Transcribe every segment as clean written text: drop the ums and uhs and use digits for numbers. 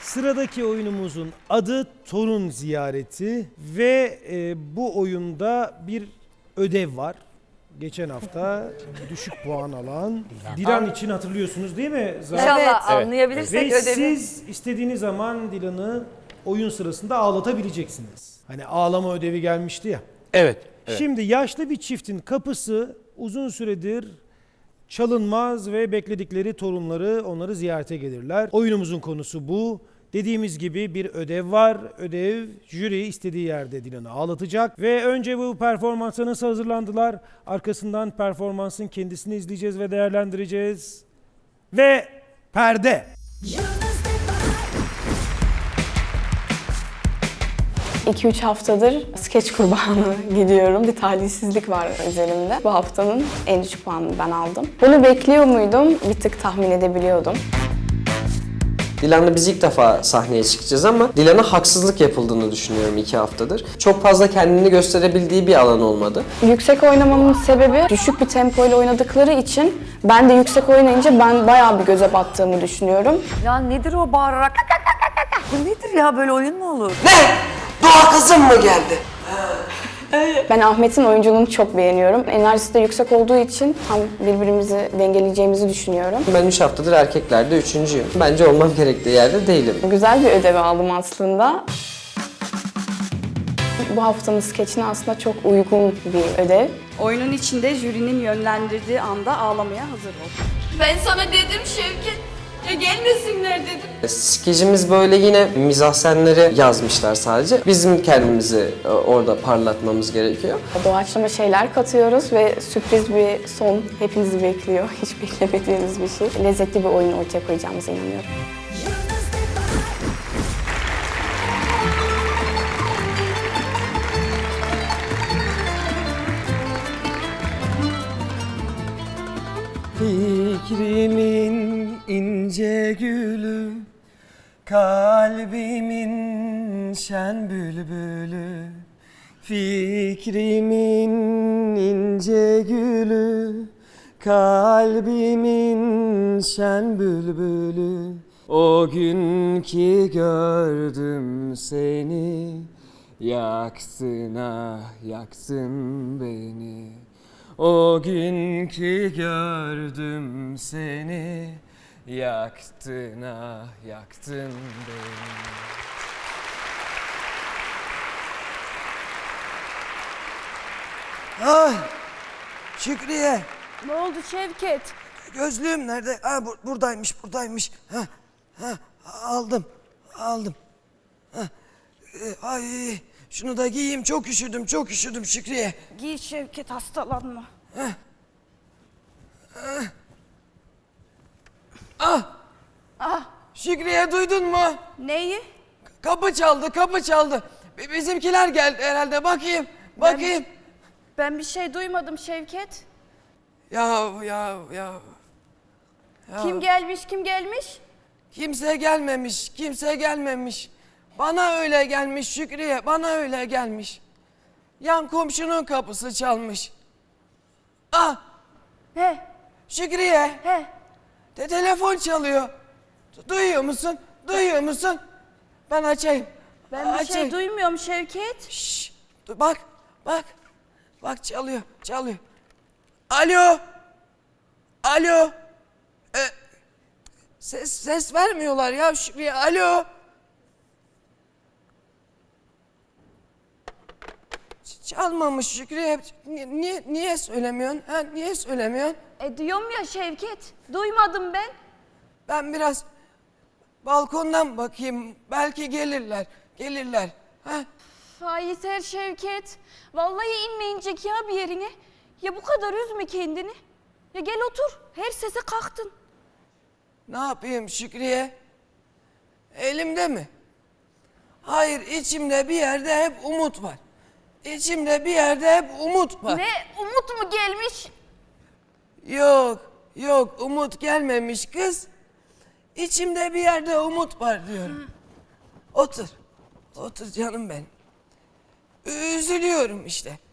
Sıradaki oyunumuzun adı Torun Ziyareti ve bu oyunda bir ödev var. Geçen hafta düşük puan alan Dilan için hatırlıyorsunuz değil mi? İnşallah Evet. anlayabilirsek Ve ödevi. siz istediğiniz zaman Dilan'ı oyun sırasında ağlatabileceksiniz. Hani ağlama ödevi gelmişti ya. Evet. Şimdi yaşlı bir çiftin kapısı uzun süredir çalınmaz ve bekledikleri torunları onları ziyarete gelirler. Oyunumuzun konusu bu. Dediğimiz gibi bir ödev var. Ödev jüri istediği yerde Dilan'ı ağlatacak. Ve önce bu performansa nasıl hazırlandılar? Arkasından performansın kendisini izleyeceğiz ve değerlendireceğiz. Ve perde. 2-3 haftadır skeç kurbanı gidiyorum. Bir talihsizlik var üzerimde. Bu haftanın en düşük puanını ben aldım. Bunu bekliyor muydum? Bir tık tahmin edebiliyordum. Dilan'la biz ilk defa sahneye çıkacağız ama Dilan'a haksızlık yapıldığını düşünüyorum 2 haftadır. Çok fazla kendini gösterebildiği bir alan olmadı. Yüksek oynamamın sebebi düşük bir tempoyla oynadıkları için ben de yüksek oynayınca ben bayağı bir göze battığımı düşünüyorum. Ya nedir o bağırarak? Bu nedir ya, böyle oyun mu olur? Ne? Doğa kızım mı geldi? Ben Ahmet'in oyunculuğunu çok beğeniyorum. Enerjisi de yüksek olduğu için tam birbirimizi dengeleyeceğimizi düşünüyorum. Ben 3 haftadır erkeklerde 3.'üyüm. Bence olmam gerektiği yerde değilim. Güzel bir ödev aldım aslında. Bu haftanın skeçine aslında çok uygun bir ödev. Oyunun içinde jürinin yönlendirdiği anda ağlamaya hazır ol. Ben sana dedim Şevket, ya gelmesinler dedim. Skecimiz böyle yine mizahsenleri yazmışlar sadece. Bizim kendimizi orada parlatmamız gerekiyor. Doğaçlama şeyler katıyoruz ve sürpriz bir son hepinizi bekliyor. Hiç beklemediğiniz bir şey. Lezzetli bir oyun ortaya koyacağımıza inanıyorum. Fikrimin ince gülü, kalbimin şen bülbülü. Fikrimin ince gülü, kalbimin şen bülbülü. O gün ki gördüm seni, yaksın ah yaksın beni. O gün ki gördüm seni, yaktın ah yaktın beni. Ay Şükriye, Ne oldu Şevket? gözlüğüm nerede? Ha buradaymış. Ha aldım. Ha, ay şunu da giyeyim, çok üşüdüm Şükriye. Giy Şevket, hastalanma. Şükriye, duydun mu? Neyi? Kapı çaldı. Bizimkiler geldi herhalde. Bakayım. Ben bir şey duymadım Şevket. Ya. Kim gelmiş? Kimse gelmemiş. Bana öyle gelmiş Şükriye, bana öyle gelmiş. Yan komşunun kapısı çalmış. Ah, He, Şükriye, he. telefon çalıyor. Duyuyor musun? Ben açayım. Ben bir şey duymuyorum Şevket. Şşş, dur, bak. Bak çalıyor. Alo. Ses vermiyorlar ya Şükriye. Alo. Çalmamış Şükriye. Niye söylemiyorsun? Niye söylemiyorsun? Diyorum ya Şevket, duymadım ben. Ben biraz balkondan bakayım. Belki gelirler. Ha? Yeter Şevket. Vallahi inmeyecek ya bir yerine. Ya bu kadar üzme kendini. Ya gel otur. Her sese kalktın. Ne yapayım Şükriye? Elimde mi? Hayır, içimde bir yerde hep umut var. Ne? Umut mu gelmiş? Yok, umut gelmemiş kız. İçimde bir yerde umut var diyorum. Otur canım benim. Üzülüyorum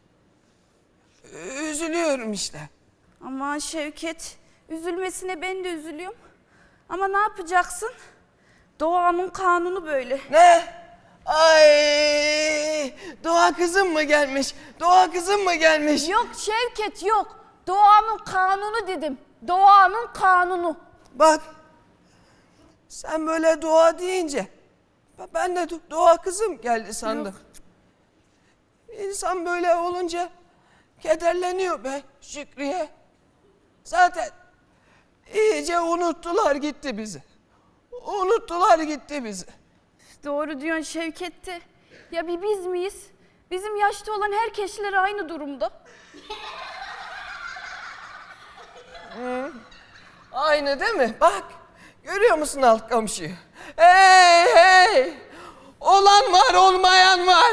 işte. Aman Şevket, üzülmesine ben de üzülüyorum. Ama ne yapacaksın? Doğanın kanunu böyle. Ne? Ay, Doğa kızım mı gelmiş? Doğa kızım mı gelmiş? Yok Şevket yok. Doğanın kanunu dedim. Doğanın kanunu. Bak, sen böyle Doğa deyince ben de Doğa kızım geldi sandım. İnsan böyle olunca kederleniyor be Şükriye. Zaten iyice unuttular gitti bizi. Unuttular gitti bizi. Doğru diyorsun Şevket'te. Ya bir biz miyiz? Bizim yaşta olan herkesler aynı durumda. Aynı değil mi? Bak, görüyor musun alt komşuyu? Hey hey! Olan var, olmayan var.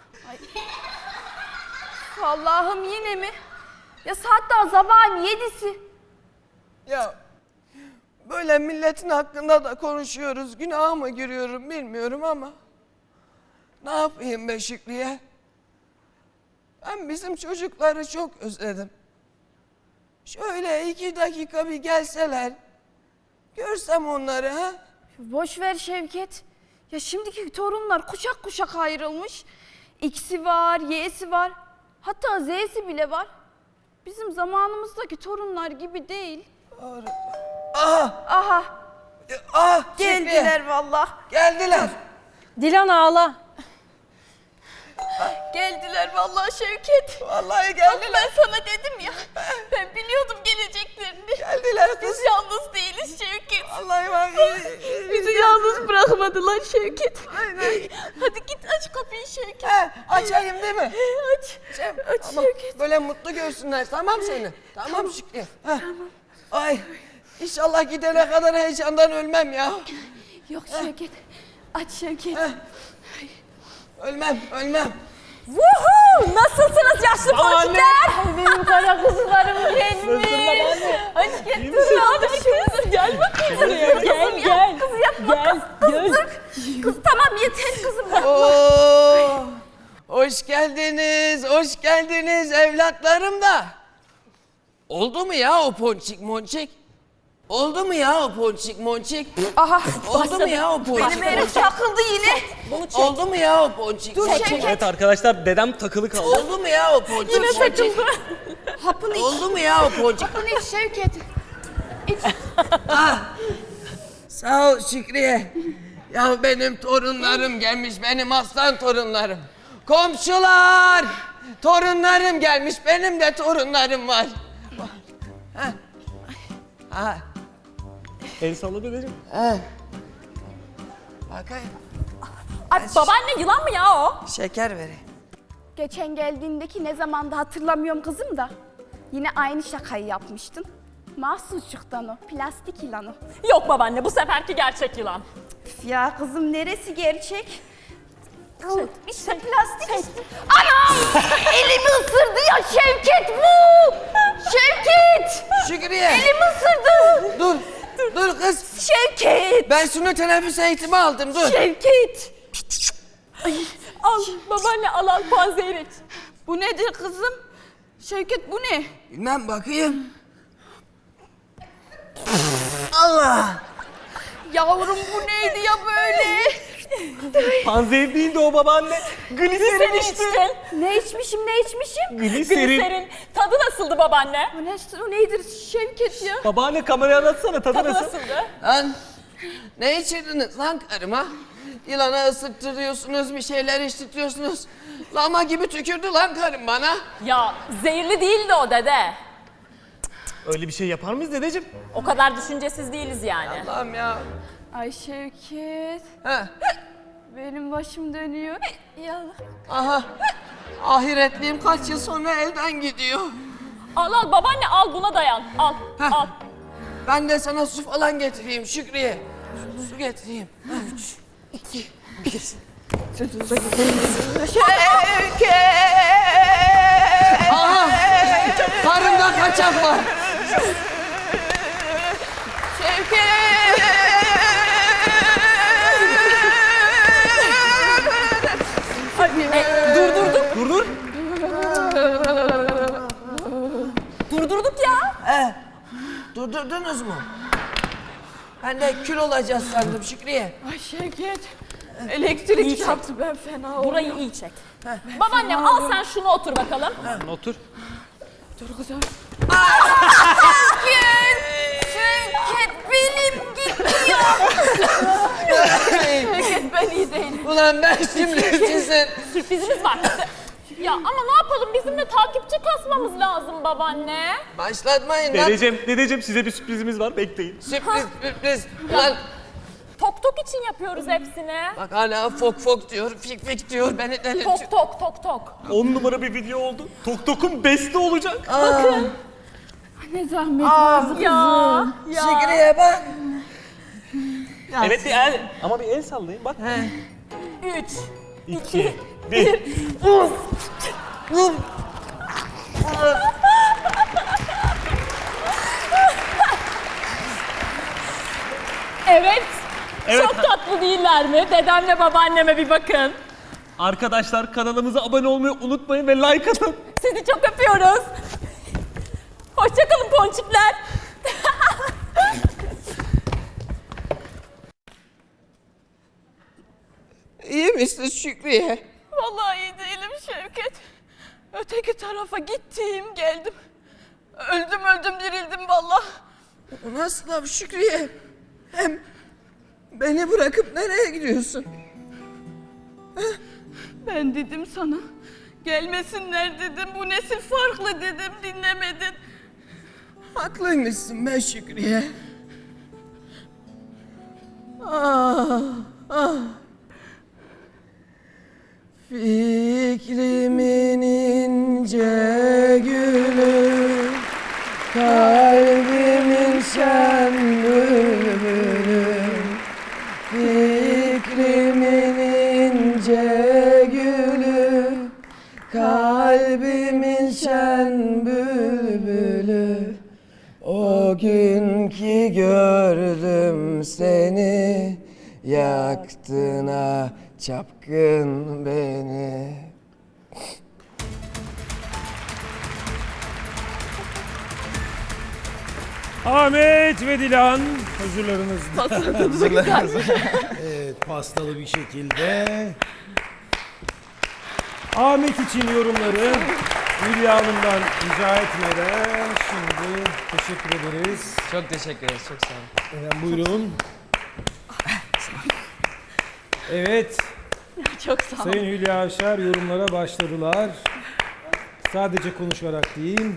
Allah'ım yine mi? Ya saat daha sabahın 7'si. Ya böyle milletin hakkında da konuşuyoruz. Günaha mı giriyorum bilmiyorum ama ne yapayım be Şükriye? Ben bizim çocukları çok özledim. Şöyle 2 dakika bir gelseler, görsem onları ha? Boş ver Şevket. Ya şimdiki torunlar kuşak kuşak ayrılmış. X'i var, Y'si var. Hatta Z'si bile var. Bizim zamanımızdaki torunlar gibi değil. Aha! Aha Ah! geldiler vallahi. Geldiler. Dilan ağla. Geldiler vallahi Şevket. Vallahi Bak geldiler. ben sana dedim ya. Ben biliyordum geleceklerini. Geldiler Biz kız. yalnız değiliz Şevket. Vallahi bak. Bizi yalnız bırakmadılar Şevket. Hadi git aç kapıyı Şevket. He, açayım değil mi? Aç. Cem, Aç tamam. Şevket. Böyle mutlu görsünler, tamam seni. Tamam Şükrü. Tamam. Ay, inşallah gidene kadar heyecandan ölmem ya. Yok Şevket. Aç Şevket. Ölmem, ölmem. Woohoo! Nasılsınız yaşlı ponçikler? Benim kara kuzularım benim. Hoş geldin. Dur abi kız. Gel bakayım buraya. Gel. Kız yapma. Kız tamam yeter kızım. Oo, hoş geldiniz, hoş geldiniz evlatlarım da. Oldu mu ya o ponçik monçik? Oldu mu ya o ponçik monçik? Aha. Oldu mu ya o ponçik Benim herif monçik? takıldı yine. Oldu mu ya o ponçik Dur monçik? Şevket. Evet arkadaşlar dedem takılı kaldı. Oldu mu ya o ponçik Yine monçik? takıldı. Hapını iç. Oldu mu ya o ponçik? Hapını iç Şevket. İç. Sağ ol Şükriye. Ya benim torunlarım gelmiş, benim aslan torunlarım. Komşular! Torunlarım gelmiş, benim de torunlarım var. Ha. Ha. El salla dedeciğim. Ha. Bakayım. Ay babaanne yılan mı ya o? Şeker vereyim. Geçen geldiğindeki ne zamanda hatırlamıyorum kızım da. Yine aynı şakayı yapmıştın. Mahsusçuktan o, plastik yılan o. Yok babaanne bu seferki gerçek yılan. Üf ya kızım neresi gerçek? İşte plastik işte. Anam! Elimi ısırdı ya Şevket bu! Şevket! Şükriye! Elimi ısırdı! Dur kız. Şevket! Ben şunu teneffüs eğitimi aldım, dur. Şevket! Al babaanne al panzehir iç. Bu nedir kızım? Şevket bu ne? Bilmem, bakayım. Allah! Yavrum bu neydi ya böyle? Panzehir değil de o babaanne. Gliserin Sen işte. içtin. Ne içmişim ne içmişim? Gliserin. Gliserin. Tadı nasıldı babaanne? O nedir Şevket ya? Babaanne kameraya anlatsana tadı Tadı nasıl? nasıldı? Lan ne içirdiniz lan karıma? Yılana ısıttırıyorsunuz, bir şeyler içtirtiyorsunuz. Lama gibi tükürdü lan karım bana. Ya zehirli değildi o dede. Öyle bir şey yapar mıyız dedeciğim? O kadar düşüncesiz değiliz yani. Allah'ım ya. Ay Şevket, Heh. benim başım dönüyor. Ya Aha. Ahiretliğim kaç yıl sonra elden gidiyor. Al al babaanne al buna dayan. Al Heh. al. Ben de sana su falan getireyim Şükriye. Su getireyim. 2, 1. Şevket! Aha! Karımda kaçak var. Durdurduk. Dur. Durdurduk ya. Durdurdunuz mu? Ben de kül olacağız sandım Şükriye. Ay Şevket. Elektrik çarptı ben fena oldum. Burayı iyi çek. Babaannem al sen şunu otur bakalım. Otur. Dur kızım. Şevket benim gidiyor. Şevket ben iyi değilim. Ulan ben şimdi sizin... Sürprizimiz var. Ya ama ne yapalım bizim de takipçi kasmamız lazım babaanne. Başlatmayın lan. Dedeciğim size bir sürprizimiz var, bekleyin. Sürpriz. Ulan Tok tok için yapıyoruz hepsini. bak hala fok diyor, fik diyor. Beni delirtiyor. Tok. 10 numara bir video oldu. Tok Tok'un beste olacak. Ne zahmet var. Ya. Şükriye bak. Evet bir el. Ama bir el sallayın bak. 3. 2, 1. Evet. Evet. Çok tatlı değiller mi? Dedemle babaanneme bir bakın. Arkadaşlar kanalımıza abone olmayı unutmayın ve like atın. Sizi çok öpüyoruz. Hoşçakalın ponçikler. İyi misin Şükriye? Vallahi iyi değilim Şevket. Öteki tarafa gittim geldim. Öldüm dirildim vallahi. O nasıl laf Şükriye? Hem beni bırakıp nereye gidiyorsun? Ben dedim sana. Gelmesinler dedim. Bu nesil farklı dedim. Dinlemedin. Haklıymışsın be Şükriye. Ah. Fikrimin ince gülü, kalbimin şen bülbülü. Fikrimin ince gülü, kalbimin şen bülbülü. O gün ki gördüm seni, yaktın ha çapkın beni. Ahmet ve Dilan huzurlarınızda. Evet, pastalı bir şekilde. Ahmet için yorumları Hülya Hanım'dan rica etmeden şimdi teşekkür ederiz. Çok teşekkür ederiz, çok sağ olun. Efendim buyurun. Evet, Çok sağ ol. Sayın Hülya Avşar yorumlara başladılar. Sadece konuşarak değil.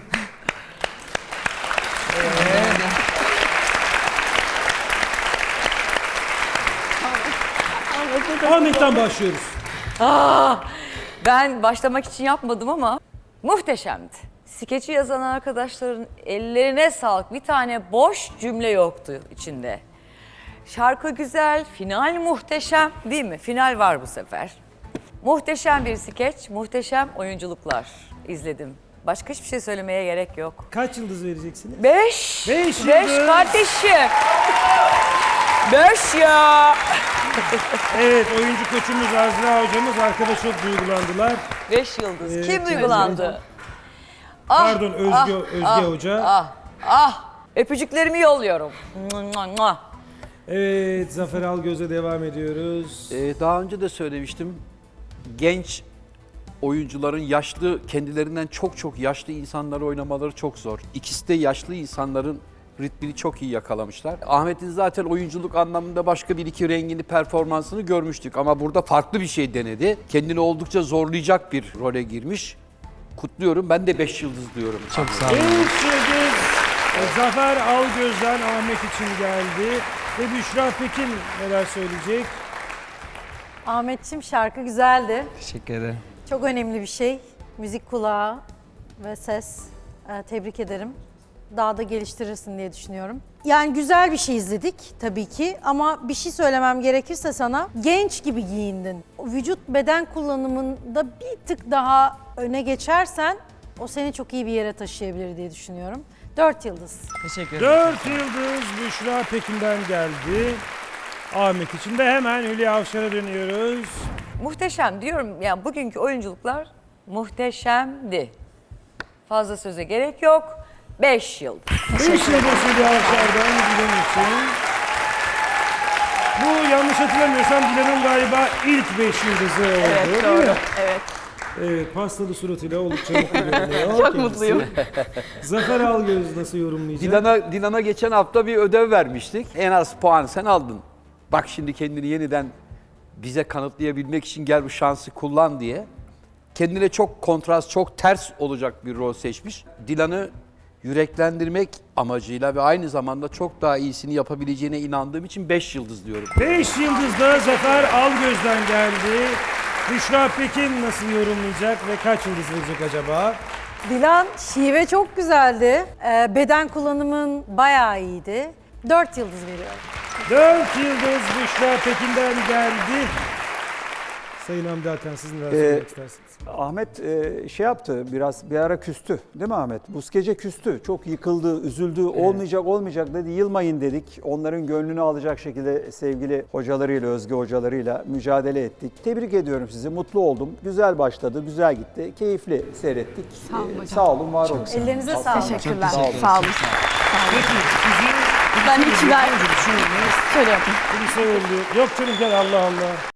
Ahmet'ten başlıyoruz. Ben başlamak için yapmadım ama muhteşemdi. Skeçi yazan arkadaşların ellerine sağlık. Bir tane boş cümle yoktu içinde. Şarkı güzel, final muhteşem değil mi? Final var bu sefer. Muhteşem bir skeç, muhteşem oyunculuklar izledim. Başka hiçbir şey söylemeye gerek yok. Kaç yıldız vereceksiniz? 5. Beş 5 yıldız. kardeşim. 5 ya. Evet, oyuncu koçumuz Azra hocamız arkada çok duygulandılar. 5 yıldız. Evet, Kim duygulandı? Ah, Pardon, Özge Hoca. Öpücüklerimi yolluyorum. Evet, Zafer Algöz'e devam ediyoruz. Daha önce de söylemiştim. Genç oyuncuların yaşlı, kendilerinden çok yaşlı insanları oynamaları çok zor. İkisi de yaşlı insanların ritmini çok iyi yakalamışlar. Ahmet'in zaten oyunculuk anlamında başka bir iki rengini, performansını görmüştük. Ama burada farklı bir şey denedi. Kendini oldukça zorlayacak bir role girmiş. Kutluyorum. Ben de 5 yıldız diyorum. Çok sağ olun. 3 yıldız Zafer Algöz'den Ahmet için geldi. Ve Büşra Pekin neler söyleyecek? Ahmetciğim şarkı güzeldi. Teşekkür ederim. Çok önemli bir şey. Müzik kulağı ve ses. Tebrik ederim. Daha da geliştirirsin diye düşünüyorum. Yani güzel bir şey izledik tabii ki ama bir şey söylemem gerekirse sana genç gibi giyindin. Vücut beden kullanımında bir tık daha öne geçersen o seni çok iyi bir yere taşıyabilir diye düşünüyorum. 4 yıldız. Teşekkür ederim. 4 yıldız Büşra Pekin'den geldi. Ahmet için de hemen Hülya Avşar'a dönüyoruz. Muhteşem diyorum. Yani bugünkü oyunculuklar muhteşemdi. Fazla söze gerek yok. 5 yıl. 5 yıldız Hülya Avşar'dan bizim için. Bu yanlış hatırlamıyorsam Dilan'ın galiba ilk 5 yıldızı oldu. Evet değil mi? doğru. Evet. Evet, pastalı suratıyla oldukça mutlu görünüyor. Çok kendisi. mutluyum. Zafer Algöz nasıl yorumlayacak? Dilan'a geçen hafta bir ödev vermiştik. En az puan sen aldın. Bak şimdi kendini yeniden bize kanıtlayabilmek için gel bu şansı kullan diye. Kendine çok kontrast, çok ters olacak bir rol seçmiş. Dilan'ı yüreklendirmek amacıyla ve aynı zamanda çok daha iyisini yapabileceğine inandığım için 5 yıldız diyorum. 5 yıldız da Zafer Algöz'den geldi. Büşra Pekin nasıl yorumlayacak ve kaç yıldız verecek acaba? Dilan, şive çok güzeldi. Beden kullanımın bayağı iyiydi. 4 yıldız veriyorum. 4 yıldız Büşra Pekin'den geldi. Sayın Hamdi Hakan, siz neler söylemek istersiniz? Ahmet şey yaptı, biraz bir ara küstü değil mi Ahmet? Bu gece küstü, çok yıkıldı, üzüldü, olmayacak dedi, yılmayın dedik. Onların gönlünü alacak şekilde sevgili hocalarıyla, Özge hocalarıyla mücadele ettik. Tebrik ediyorum sizi, mutlu oldum. Güzel başladı, güzel gitti, keyifli seyrettik. Sağ olun hocam. Sağ olun, var olun. Ellerinize sağlık. Teşekkürler. Sağ olun. Sağ olun. Peki, sizi... Ben hiç ver. Şöyle yapayım. Yok canım, gel Allah Allah.